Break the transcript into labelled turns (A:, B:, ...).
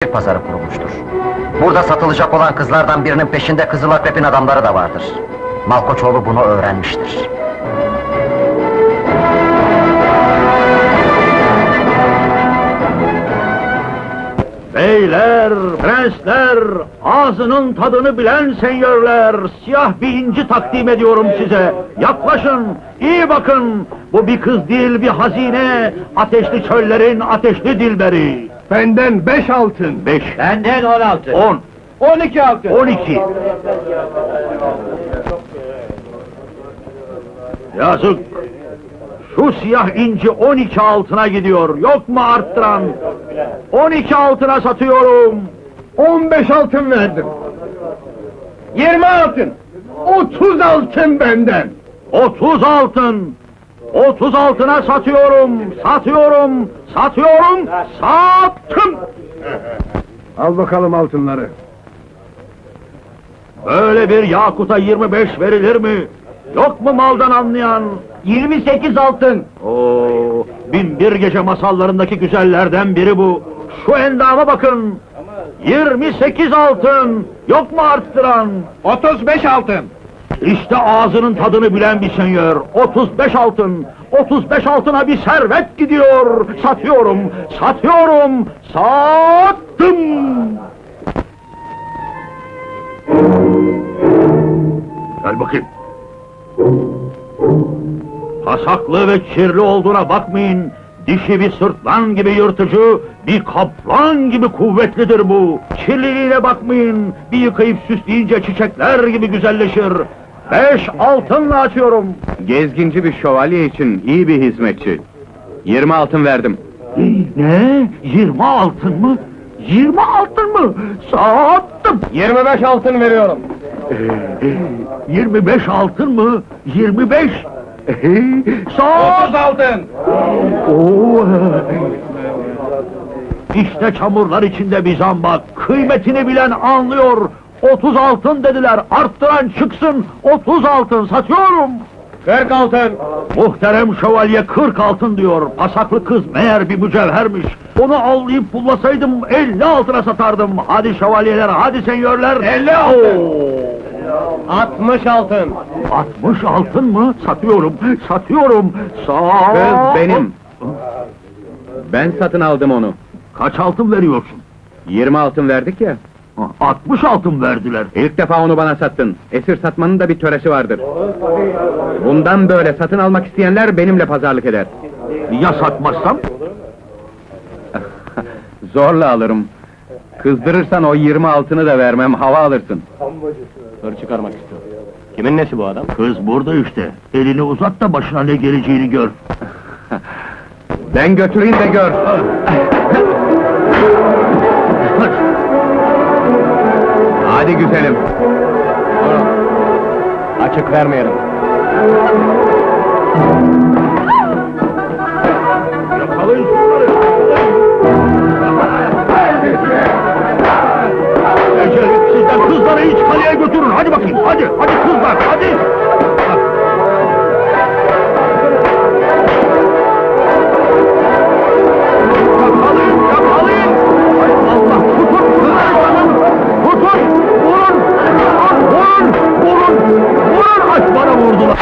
A: gençlik pazarı kurulmuştur. Burada satılacak olan kızlardan birinin peşinde Kızıl Akrep'in adamları da vardır. Malkoçoğlu bunu öğrenmiştir.
B: Beyler, prensler, ağzının tadını bilen senyörler, siyah bir inci takdim ediyorum size. Yaklaşın, iyi bakın. Bu bir kız değil, bir hazine. Ateşli çöllerin ateşli dilberi.
C: Benden 5 altın.
B: 5,
D: Benden 16.
B: 10,
D: 12 altın.
B: 12. Yazık. Şu siyah inci 12 altına gidiyor. Yok mu arttıran? 12 altına satıyorum.
C: 15 altın verdim. 20 altın. 30 altın benden.
B: 30 altın. 30 altına satıyorum. Satıyorum. Satıyorum. Sattım.
C: Al bakalım altınları.
B: Böyle bir yakuta 25 verilir mi? Yok mu maldan anlayan?
D: 28 altın.
B: Oo, Binbir Gece masallarındaki güzellerden biri bu. Şu endama bakın. 28 altın. Yok mu arttıran?
C: 35 altın.
B: İşte ağzının tadını bilen bir senyör. 35 altın. 35 altına bir servet gidiyor. Satıyorum. Satıyorum. Sattım. Gel bakayım. Pasaklı ve kirli olduğuna bakmayın. Dişi bir sırtlan gibi yırtıcı, bir kaplan gibi kuvvetlidir bu. Kirliliğine bakmayın. Bir yıkayıp süsleyince çiçekler gibi güzelleşir. 5 altınla açıyorum.
E: Gezginci bir şövalye için iyi bir hizmetçi. 20 altın verdim.
B: Ne? 20 altın mı? 20 altın mı? Sattım.
C: 25 altın veriyorum.
B: 25 altın mı? 25.
C: 30 altın.
B: Oo. İşte çamurlar içinde bir zambak. Kıymetini bilen anlıyor. 30 altın dediler. Arttıran çıksın. 30 altın satıyorum.
C: 40 altın.
B: Muhterem şövalye 40 altın diyor. Pasaklı kız meğer bir mücevhermiş. Onu avlayıp pullasaydım 50 altına satardım. Hadi şövalyeler, hadi senyörler.
C: 50 altın. 60 altın.
B: 60 altın mı? Satıyorum, satıyorum.
E: Kız benim. Ben satın aldım onu.
B: Kaç altın veriyorsun?
E: 20 altın verdik ya.
B: 60 altın verdiler.
E: İlk defa onu bana sattın. Esir satmanın da bir töresi vardır. Bundan böyle satın almak isteyenler benimle pazarlık eder.
B: Ya satmazsam?
E: Zorla alırım. Kızdırırsan o 20 altını da vermem, hava alırsın.
D: Hır çıkarmak istiyor. Kimin nesi bu adam?
B: Kız burada işte. Elini uzat da başına ne geleceğini gör.
E: Ben götüreyim de gör. Hadi güzelim.
D: Açık vermeyelim.
B: Yakalayın şunları! Sizden kızları hiç kaleye götürün, hadi bakayım, hadi, hadi kızlar, hadi! Yakalayın, yakalayın! Hay Allah, tutun kızları canım! Tutun, vurun! Vurun, vurun! Vurun, aç bana vurdular!